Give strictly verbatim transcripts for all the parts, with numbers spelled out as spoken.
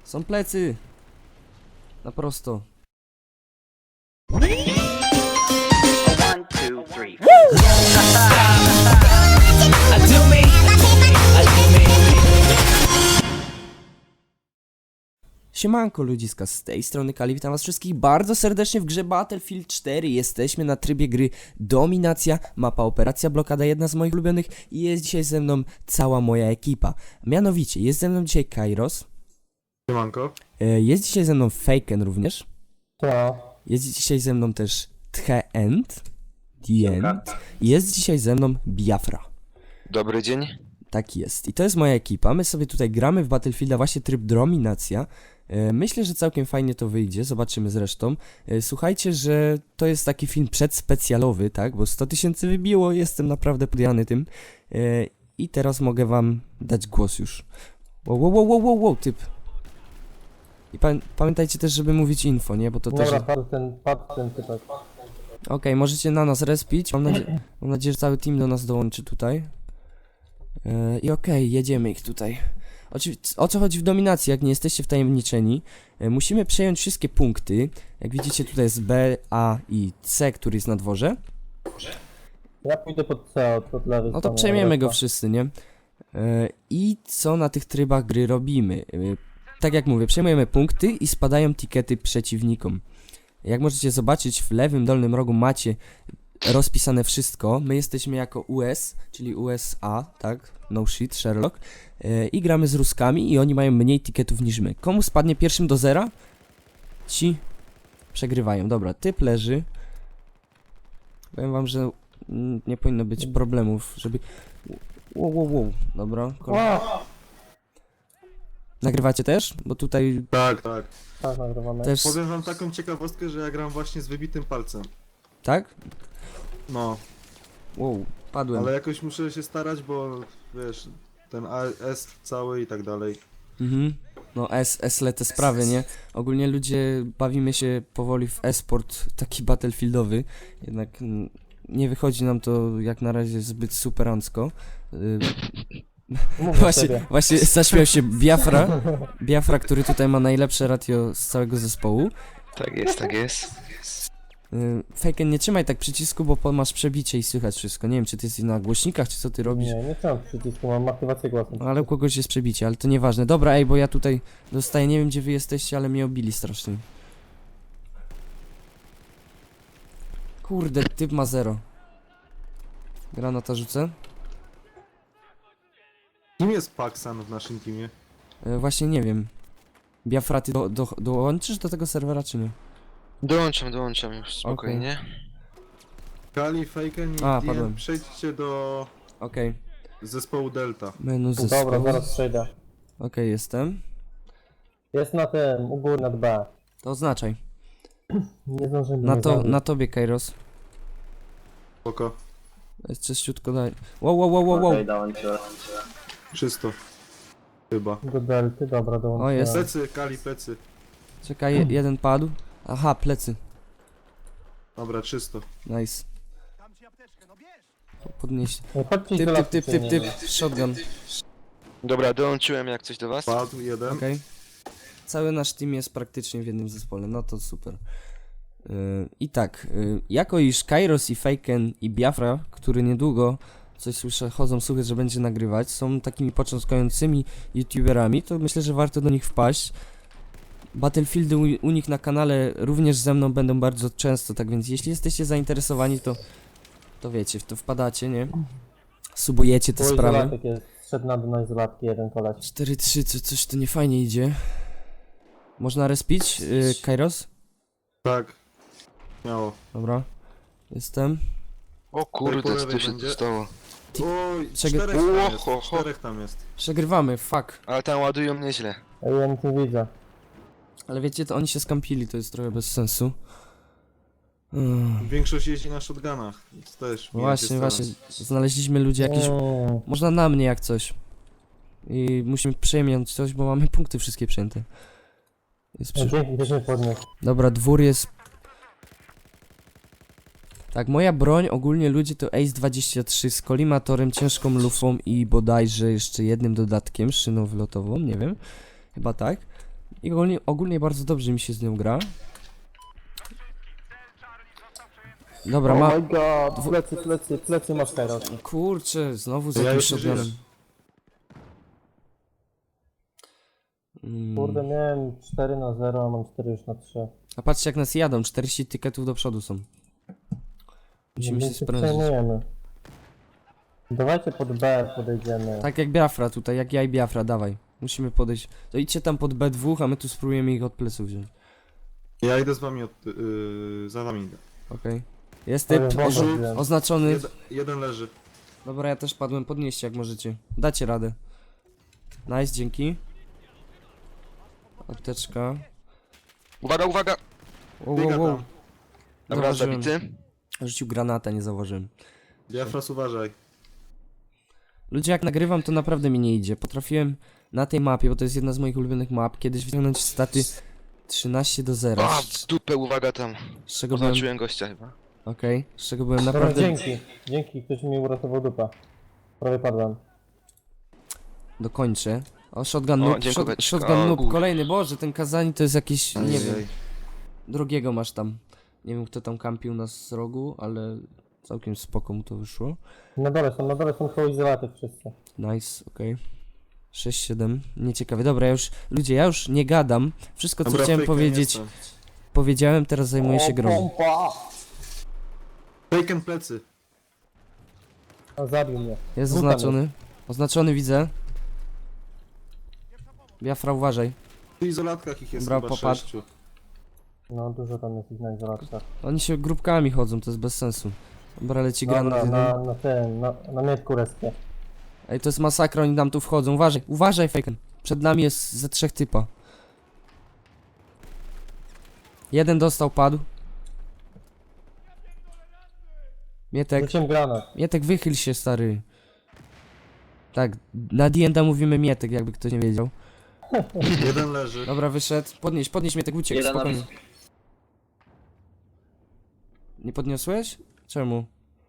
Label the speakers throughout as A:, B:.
A: Są plecy. Na prosto.
B: One, two, three.
A: Siemanko ludziska, z tej strony Kali, witam was wszystkich bardzo serdecznie w grze Battlefield cztery. Jesteśmy na trybie gry Dominacja, mapa Operacja Blokada, jedna z moich ulubionych i jest dzisiaj ze mną cała moja ekipa. Mianowicie, jest ze mną dzisiaj Kairos,
C: Siemanko.
A: e, jest dzisiaj ze mną Faken również,
D: To.
A: jest dzisiaj ze mną też The End, The End i jest dzisiaj ze mną Biafra.
E: Dobry dzień.
A: Tak jest. I to jest moja ekipa. My sobie tutaj gramy w Battlefielda, właśnie tryb Dominacja. E, Myślę, że całkiem fajnie to wyjdzie. Zobaczymy zresztą. E, Słuchajcie, że to jest taki film przedspecjalowy, tak? Bo sto tysięcy wybiło. Jestem naprawdę podjany tym. E, I teraz mogę wam dać głos już. Wow, wow, wow, wow, wow, wow typ. I pa pamiętajcie też, żeby mówić info, nie? Bo to też...
D: Dobra, padł ten, padł ten typek.
A: Okej, możecie na nas respić. Mam, nadzie mam nadzieję, że cały team do nas dołączy tutaj. Yy, I okej, okay, jedziemy ich tutaj. Oczywiście, o co chodzi w dominacji, jak nie jesteście wtajemniczeni? Yy, musimy przejąć wszystkie punkty. Jak widzicie, tutaj jest B, A i C, który jest na dworze.
D: Ja pójdę pod C, od, od lewej
A: No to
D: strony,
A: przejmiemy go
D: reszta.
A: wszyscy, nie? Yy, I co na tych trybach gry robimy? Yy, tak jak mówię, przejmujemy punkty i spadają tikety przeciwnikom. Jak możecie zobaczyć, w lewym dolnym rogu macie rozpisane wszystko. My jesteśmy jako U S, czyli U S A, tak? No shit, Sherlock. Yy, I gramy z Ruskami i oni mają mniej tiketów niż my. Komu spadnie pierwszym do zera? Ci przegrywają. Dobra, typ leży. Powiem wam, że mm, nie powinno być problemów, żeby... Wow, wow, wow. Dobra. Kolej. Nagrywacie też? Bo tutaj
C: Tak, tak.
D: Tak, nagrywamy.
A: też...
C: Powiem wam taką ciekawostkę, że ja gram właśnie z wybitym palcem.
A: Tak?
C: No,
A: Wow, padłem.
C: ale jakoś muszę się starać, bo wiesz, ten A S cały i tak dalej.
A: Mhm. No S, S te sprawy, nie? Ogólnie ludzie bawimy się powoli w e-sport taki battlefieldowy, jednak mm, nie wychodzi nam to jak na razie zbyt superancko. Y,
D: Mów
A: właśnie,
D: sobie.
A: właśnie zaśmiał się Biafra, Biafra, który tutaj ma najlepsze ratio z całego zespołu.
E: Tak jest, tak jest.
A: Y, Faken, nie trzymaj tak przycisku, bo po- masz przebicie i słychać wszystko. Nie wiem, czy ty jesteś na głośnikach, czy co ty robisz.
D: Nie, nie trzymam przycisku, mam aktywację głosu.
A: Ale u kogoś jest przebicie, ale to nieważne. Dobra, ej, bo ja tutaj dostaję, nie wiem gdzie wy jesteście, ale mnie obili strasznie. Kurde, typ ma zero. Granata rzucę.
C: Kim jest Paxan w naszym teamie?
A: E, właśnie nie wiem. Biafra, ty do, do, dołączysz do tego serwera, czy nie?
E: Dołączam, dołączam już spokojnie.
C: Kali, Faken i
A: A,
C: D
A: padłem.
C: M, przejdźcie do
A: Okej.
C: zespołu Delta.
A: Menu zespołu.
D: Dobra, zaraz przejdę.
A: Okej, jestem.
D: Jest na tym, u góry nad B.
A: To oznaczaj.
D: Nie zdążymy.
A: Na
D: nie
A: to,
D: zdążymy.
A: na tobie, Kairos.
C: Spoko.
A: Jest czyściutko daj. Wow, wow, wow, wow, wow.
C: Czysto. Chyba.
D: Do delty, dobra, dołączyłem.
A: O, jest.
C: Plecy, Kali, plecy.
A: Czekaj, je, jeden padł. Aha, plecy.
C: Dobra, czysto.
A: Nice. Podnieś.
D: Ej, Chodźcie
A: Typ,
D: do
A: typ,
D: lasu,
A: typ, typ,
D: nie
A: typ.
D: wiem.
A: Shotgun.
E: Dobra, dołączyłem jak coś do was.
C: Padł jeden.
A: Okej. Cały nasz team jest praktycznie w jednym zespole, no to super. Yy, I tak, yy, jako iż Kairos i Faken i Biafra, który niedługo, coś słyszę, chodzą słuchy, że będzie nagrywać, są takimi początkującymi youtuberami, to myślę, że warto do nich wpaść. Battlefieldy u, u nich na kanale również ze mną będą bardzo często, tak więc jeśli jesteście zainteresowani, to, to wiecie, w to wpadacie, nie? Subujecie te
D: Bo
A: sprawy.
D: izolatek jest, szedł na dół na izolatki jeden koleś.
A: cztery trzy, co, coś to nie fajnie idzie. Można respić, yy, Kairos?
C: Tak. Miało.
A: Dobra. Jestem.
E: O kurde,
C: po
E: co
C: lewej
E: tu się
C: będzie.
E: tu stało?
C: Oj,
A: Czego-
C: czterech tam jest.
E: Ho, ho, ho.
C: Czterech tam jest.
A: Przegrywamy, fuck.
E: Ale tam ładują nieźle.
D: Ej, ja nic nie widzę.
A: Ale wiecie, to oni się skampili, to jest trochę bez sensu. Mm.
C: Większość jeździ na shotgunach. Więc też
A: No
C: mnie
A: właśnie,
C: się
A: właśnie.
C: stara.
A: Znaleźliśmy ludzi jakiś...
D: Mm.
A: Można na mnie jak coś. I musimy przejmiać coś, bo mamy punkty wszystkie przejęte. Jest
D: Ej,
A: przy...
D: Dzięki, też mnie podniósł.
A: Dobra, dwór jest... Tak, moja broń ogólnie ludzie to Ace dwadzieścia trzy z kolimatorem, ciężką lufą i bodajże jeszcze jednym dodatkiem, szyną wylotową, nie wiem. Chyba tak. I ogólnie, ogólnie bardzo dobrze mi się z nią gra. Dobra, ma...
D: Oh my god, plecy, plecy, plecy masz teraz.
A: Kurczę, znowu z
C: To ja
A: jakimś
C: już nie
A: shotgunem.
C: żyję.
A: Mm.
D: Kurde, miałem cztery na zero, a mam cztery już na trzy.
A: A patrzcie jak nas jadą, czterdzieści tyketów do przodu są. Musimy się
D: Więc
A: sprężyć.
D: przejmujemy. Dawajcie pod B podejdziemy.
A: Tak jak Biafra tutaj, jak ja i Biafra, dawaj. Musimy podejść. To idźcie tam pod B dwa, a my tu spróbujemy ich od pleców wziąć.
C: Ja idę z wami od... Yy, za wami idę.
A: Okej. Jest typ
D: Ale wącha
A: ozu-
D: wziąłem.
A: oznaczony.
C: Jed, jeden leży.
A: Dobra, ja też padłem, podnieście jak możecie. Dacie radę. Nice, dzięki. Apteczka.
E: Uwaga, uwaga!
A: Wow,
C: Biega
A: wow, wow.
C: tam.
E: Dobra,
A: Zauważyłem.
E: zabity.
A: Rzucił granata, nie zauważyłem.
C: Diafras, uważaj.
A: Ludzie, jak nagrywam, to naprawdę mi nie idzie. Potrafiłem na tej mapie, bo to jest jedna z moich ulubionych map, kiedyś wyciągnąć staty trzynaście do zera.
E: A,
A: Z,
E: w dupę, uwaga tam.
A: z czego byłem...
E: Oznaczyłem gościa chyba.
A: Okej, z czego byłem
D: Dobra,
A: naprawdę...
D: dzięki. Dzięki, ktoś mi uratował dupa. Prawie padłem.
A: Dokończę. O, shotgun
E: O,
A: noob,
E: dziękuję.
A: shot, shotgun
E: O,
A: noob,
E: kur-
A: kolejny, boże, ten Kazani to jest jakiś, nie wiem,
C: Ojej.
A: drugiego masz tam. Nie wiem, kto tam kampił nas z rogu, ale całkiem spoko mu to wyszło.
D: Na dole są, na dole są koło izolatek wszyscy.
A: Nice, okej. sześć siedem, nieciekawe. Dobra, ja już, ludzie, ja już nie gadam. Wszystko, co
C: Dobra,
A: chciałem
C: Faken
A: powiedzieć,
C: jestem.
A: powiedziałem, teraz zajmuję się grą.
D: pompa!
C: Faken plecy.
D: A, zabił mnie.
A: Jest
D: Dwóch tam
A: oznaczony. Oznaczony widzę. Biafra, uważaj.
C: W izolatkach ich jest
A: Dobra,
C: chyba
A: popadł.
C: sześciu.
D: No, dużo tam jest ich na izolatkach.
A: Oni się grupkami chodzą, to jest bez sensu. Dobra, leci
D: Dobra,
A: granat jeden.
D: na, na tym, na, na mietku respie.
A: Ej, to jest masakra, oni nam tu wchodzą. Uważaj, uważaj, Faken. Przed nami jest ze trzech typa. Jeden dostał, padł. Mietek,
D: Rzuciłem granat.
A: Mietek, wychyl się, stary. Tak, na D and D mówimy Mietek, jakby ktoś nie wiedział.
C: Jeden leży.
A: Dobra, wyszedł. Podnieś, podnieś Mietek, uciekł,
B: Jeden na
A: spokojnie. Nie podniosłeś? Czemu?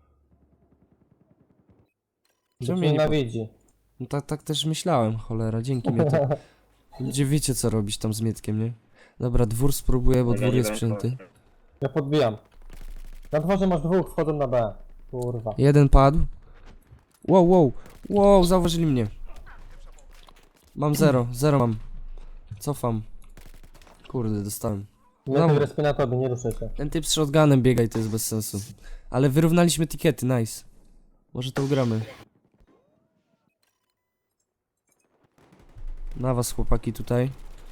A: Czemu mnie nie pod...
D: Nienawidzi.
A: No tak, tak też myślałem, cholera, dzięki Mietek. Gdzie wiecie co robić tam z Mietkiem, nie? Dobra, dwór spróbuję, bo
B: Ja
A: dwór
B: nie
A: jest
B: wiem,
A: przyjęty.
D: Ja podbijam. Na dworze masz dwóch, wchodzą na B. Kurwa.
A: Jeden padł. Wow, wow, wow, zauważyli mnie. Mam zero, zero mam. Cofam. Kurde, dostałem.
D: Ja
A: No.
D: no. respię na tobie, nie ruszę się.
A: Ten typ z shotgunem biega i to jest bez sensu. Ale wyrównaliśmy tikety, nice. Może to ugramy. Na was chłopaki tutaj.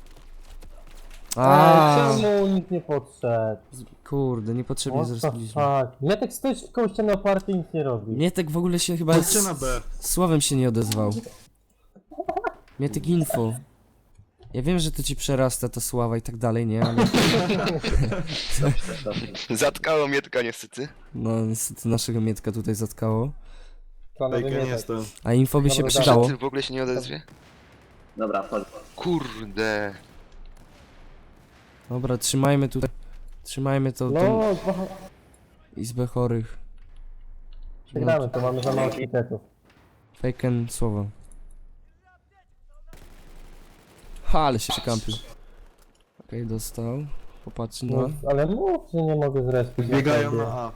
D: A
A: A,
D: czemu nikt nie podszedł?
A: kurde, niepotrzebnie
D: What the
A: zrobiliśmy.
D: fuck? Mietek stoisz koło ściany oparty i nic nie robi.
A: Mietek w ogóle się chyba
C: Chodźcie na
A: z
C: B.
A: słowem się nie odezwał. Mietek info. Ja wiem, że to ci przerasta ta sława i tak dalej, nie? Ale
E: Zatkało mnie tylko niestety.
A: no niestety naszego Mietka tutaj zatkało.
D: Planowy
C: Faken
D: Mietek.
C: jestem.
A: A info by się
D: Dobra,
A: przydało.
E: Ty w ogóle się nie odezwie?
B: Dobra, chodź.
E: Kurde.
A: Dobra, trzymajmy tutaj. Trzymajmy to,
D: No,
A: tą
D: dwa-
A: izbę chorych.
D: przegramy, to mamy za mało tiketów.
A: Faken słowo. Ha, ale się przykampił. Okej, dostał. Popatrzy na.
D: No, ale mów, że nie mogę zrespić.
C: Biegają na A.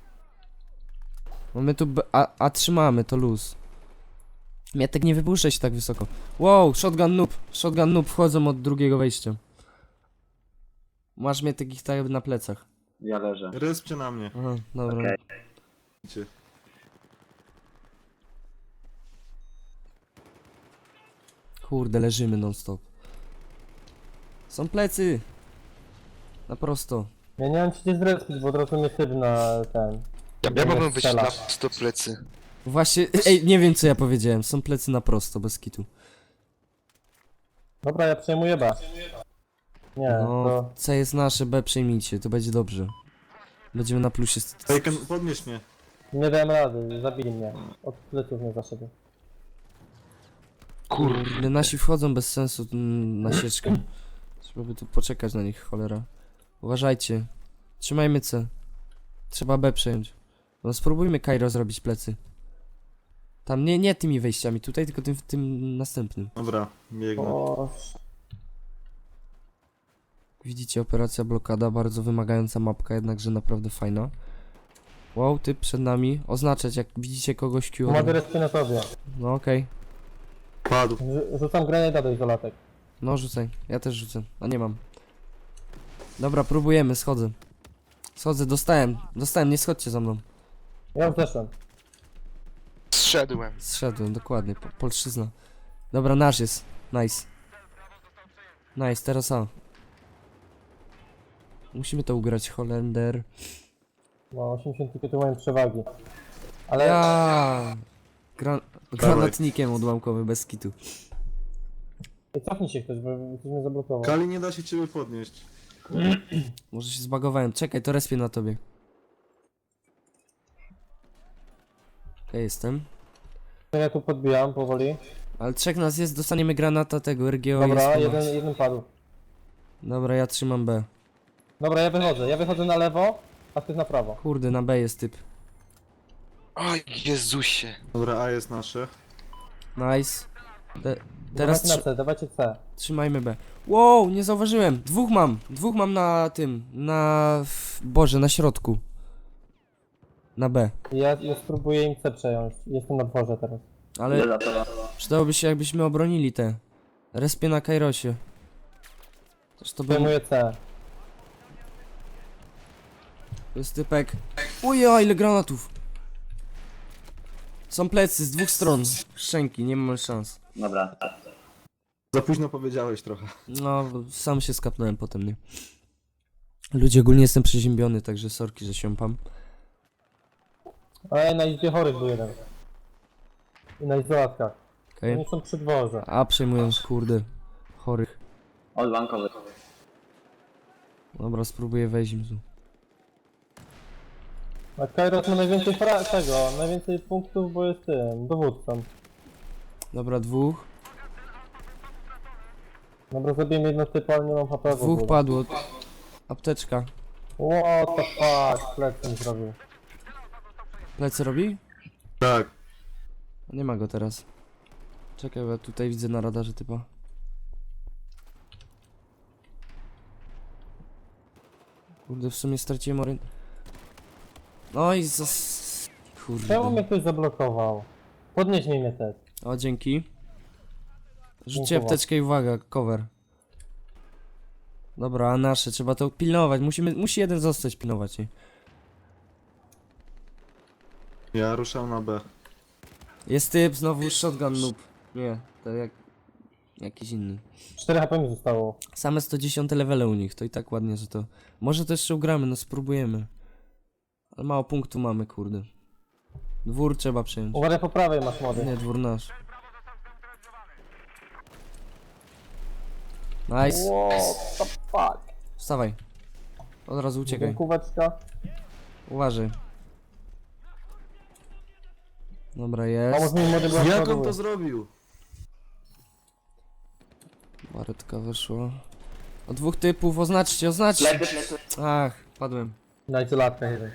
A: No my tu. B a, a trzymamy, to luz. Mietek, nie wypuszczaj się tak wysoko. Wow, shotgun noob. Shotgun noob wchodzą od drugiego wejścia. Masz Mietek ich tak jakby na plecach.
B: Ja leżę.
C: Respcie na mnie.
A: Aha, dobra.
B: Okej.
C: Idźcie.
A: Kurde, leżymy non stop. Są plecy. Na prosto.
D: Ja nie mam ci gdzie zrespić, bo od razu mnie typ na ten.
E: Ja,
D: Nie
E: ja mogłem być
D: strzela.
E: na sto plecy.
A: Właśnie, ej, nie wiem co ja powiedziałem. Są plecy na prosto, bez kitu.
D: Dobra, ja przejmuję B. Nie,
A: No,
D: to...
A: C jest nasze, B przejmijcie, to będzie dobrze. Będziemy na plusie. z-
C: Faken, podnieś mnie.
D: Nie dałem rady, zabili mnie. Od pleców mnie zaszedł.
A: Kurde, nasi wchodzą bez sensu mm, na sieczkę. Trzeba by tu poczekać na nich, cholera. Uważajcie. Trzymajmy C. Trzeba B przejąć. No spróbujmy Kairo zrobić plecy. Tam nie, nie tymi wejściami tutaj, tylko tym, tym następnym.
C: Dobra, biegnę.
D: O,
A: Widzicie, operacja blokada, bardzo wymagająca mapka, jednakże naprawdę fajna. Wow, typ przed nami. Oznaczać, jak widzicie kogoś Q.
D: Mogę respię na tobie.
A: No okej.
C: Padł.
D: Rzu- Rzucam granada do izolatek.
A: No rzucaj, ja też rzucę, a nie mam. Dobra, próbujemy, schodzę. Schodzę, dostałem, dostałem, nie schodźcie za mną.
D: Ja już zeszłem.
E: Zszedłem.
A: Zszedłem, dokładnie, po, polszczyzna. Dobra, nasz jest, nice. Nice, teraz A. Musimy to ugrać, Holender.
D: No, osiemdziesiąt tiketów mają przewagi. Ale
A: Ja. Gra granatnikiem odłamkowy, bez kitu.
D: cofnij się ktoś, bo ktoś mnie zablokował.
C: Kali nie da się ciebie podnieść.
A: Może się zbagowałem, czekaj, to respię na tobie. Okej, jestem.
D: Ja tu podbijam powoli.
A: Ale trzech nas jest, dostaniemy granata tego, R G O
D: Dobra,
A: jest.
D: jeden, jeden padł.
A: Dobra, ja trzymam B.
D: Dobra, ja wychodzę. Ja wychodzę na lewo, a ty na prawo.
A: Kurde, na B jest typ.
E: Oj, Jezusie.
C: Dobra, A jest nasze.
A: Nice. Te, teraz
D: Dawajcie na
A: trzy
D: C, dawajcie C.
A: trzymajmy B. Wow, nie zauważyłem. Dwóch mam. Dwóch mam na tym. Na... w- Boże, na środku. Na B.
D: Ja, ja spróbuję im C przejąć. Jestem na dworze teraz.
A: Ale
B: Idę za tobą.
A: przydałoby się, jakbyśmy obronili te. Respię na Kairosie. Też to był...
D: Przejmuję C.
A: To jest typek. Uja, ile granatów. Są plecy z dwóch stron. Szczęki, nie mamy szans.
B: Dobra.
C: Za późno powiedziałeś trochę.
A: No, sam się skapnąłem potem, nie? Ludzie, ogólnie jestem przeziębiony, także sorki, że siąpam.
D: Ale na izbie chorych był jeden. I na izolatkach.
A: Okej.
D: Oni są przy dworze.
A: A, przejmują, kurde, chorych.
B: Odłamkowy.
A: Dobra, spróbuję wejść im tu.
D: A Kairos ma najwięcej fra tego, najwięcej punktów, bo jest tym, dowódcą.
A: Dobra, dwóch.
D: Dobra, zabijemy jedno typu, ale nie mam H P w
A: Dwóch
D: ogóle.
A: padło. Apteczka.
D: What the fuck, plec mi zrobił.
A: Plecy robi?
C: Tak.
A: Nie ma go teraz. Czekaj, bo ja tutaj widzę na radarze typa. Kurde, w sumie straciłem orient... No i zas...
D: Czemu mnie
A: Kurde.
D: ktoś zablokował? Podnieś mnie też.
A: O, dzięki. Rzućcie
D: Dziękuję.
A: apteczkę i uwaga, cover. Dobra, a nasze, trzeba to pilnować. Musimy, musi jeden zostać pilnować, nie?
C: Ja ruszam na B.
A: Jest typ, znowu shotgun noob. Nie, to jak... Jakiś inny.
D: cztery H P mi zostało.
A: Same sto dziesięć levele u nich, to i tak ładnie, że to... Może to jeszcze ugramy, no spróbujemy. Ale mało punktu mamy, kurde. Dwór trzeba przejąć.
D: Uważaj po prawej masz młody.
A: Nie, dwór nasz. Nice.
D: What the fuck?
A: Wstawaj. Od razu uciekaj.
D: Kółeczka.
A: Uważaj. Dobra,
D: Pomóż
A: jest.
D: mi młody, bo ja
C: Jak on
D: przoduję.
C: to zrobił?
A: Baretka wyszła. O dwóch typów, oznaczcie, oznaczcie.
B: Plecy, plecy.
A: Ach, padłem.
D: Na izolatkach jeden.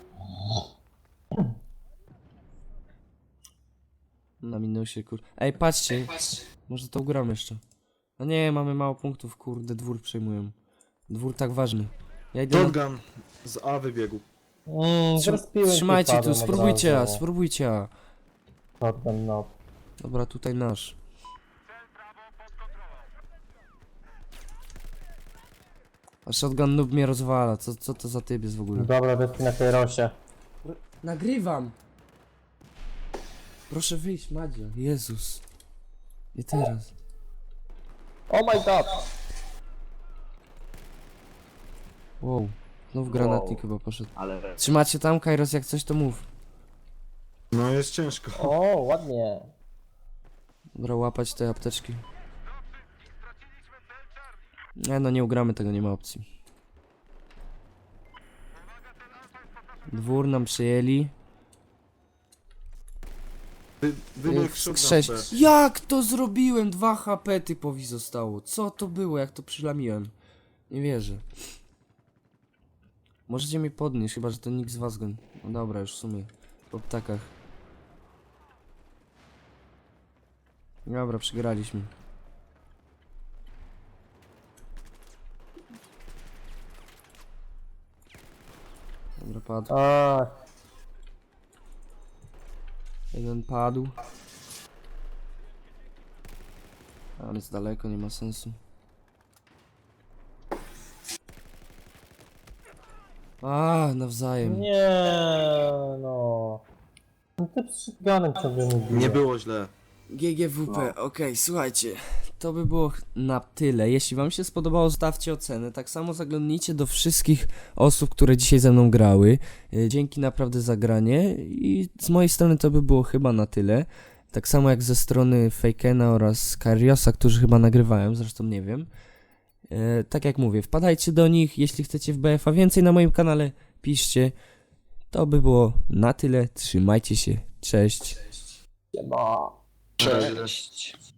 A: Na minusie, kur... Ej, patrzcie. Może to ugramy jeszcze. No nie, mamy mało punktów, kurde, dwór przejmują. Dwór tak ważny. Ja idę na...
C: Shotgun z A wybiegł.
D: Mmm,
A: Trzym- Trzymajcie tu, spróbujcie, a, spróbujcie. a.
D: Shotgun, no.
A: Dobra, tutaj nasz. A shotgun noob mnie rozwala, co, co to za typ jest w ogóle?
D: Dobra, bezpi na Kairosie.
A: Nagrywam! Proszę wyjść, Madzia. Jezus. Nie teraz.
D: Oh my god!
A: Wow. Znów granatnik chyba poszedł.
B: Ale...
A: Trzymacie tam, Kairos, jak coś to mów.
C: No jest ciężko.
D: O, ładnie.
A: Dobra, łapać te apteczki. Nie no, nie ugramy tego, nie ma opcji. Dwór nam przyjęli.
C: Wy, wybiegł
A: Ych,
C: shotgun
A: sześć.
C: B.
A: Jak to zrobiłem? Dwa H P typowi zostało. Co to było? Jak to przylamiłem? Nie wierzę. Możecie mi podnieść, chyba że to nikt z was go... No dobra, już w sumie. Po ptakach. Dobra, przegraliśmy. Dobra, padł.
D: A,
A: Jeden padł. Ale jest daleko, nie ma sensu. A, nawzajem.
D: nie no. No ty z shotgunem ciągle mnie bije.
C: Nie było źle.
A: G G W P, okej, słuchajcie, to by było na tyle. Jeśli wam się spodobało, zostawcie ocenę. Tak samo zaglądnijcie do wszystkich osób, które dzisiaj ze mną grały. Y, Dzięki naprawdę za granie i z mojej strony to by było chyba na tyle. Tak samo jak ze strony Fakena oraz Kariosa, którzy chyba nagrywałem, zresztą nie wiem. Y, Tak jak mówię, wpadajcie do nich, jeśli chcecie w B F a więcej na moim kanale, piszcie. To by było na tyle, trzymajcie się, cześć.
D: Siema.
E: Cześć.